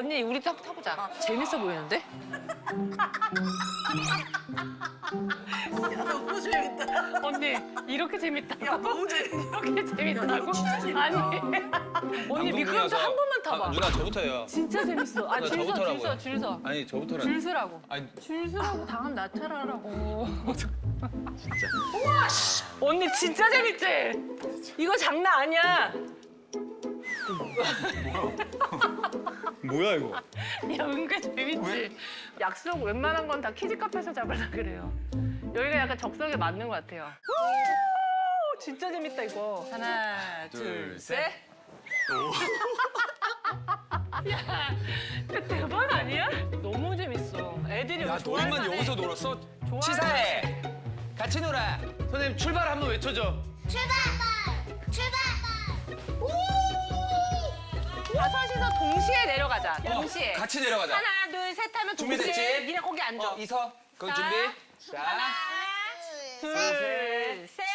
언니 우리 딱 타보자. 재밌어 보이는데? 야, 너무 재밌다. 언니 이렇게 재밌다고? 야, 너무 재밌다. 이렇게 재밌다고? 진짜 재밌다. 아니 언니 미끄럼틀 한 번만 타봐. 누나 저부터 해요. 진짜 재밌어. 아, 누나 줄 서, 줄 저부터라고요. 서, 줄 서. 아니 저부터라. 줄 서라고. 아니 줄 서라고 당하면 나 차라라고. 진짜. 우와, 씨. 언니 진짜 재밌지? 이거 장난 아니야. 뭐야 이거? 야, 은근 재밌지? 약속 웬만한 건 다 키즈 카페에서 잡으려 그래요. 여기가 약간 적성에 맞는 것 같아요. 우, 진짜 재밌다, 이거. 하나, 둘, 셋. 야, 이거 대박 아니야? 너무 재밌어. 애들이 야 여기 좋아할 너희만 만해. 여기서 놀았어? 좋아할 치사해. 같이 놀아. 선생님 출발 한번 외쳐줘. 다섯이서 동시에 내려가자. 동시에. 같이 내려가자. 하나, 둘, 셋 하면 동시에. 준비됐지? 니네 거기 앉아. 이서. 거기 자. 준비. 자. 하나, 둘, 셋.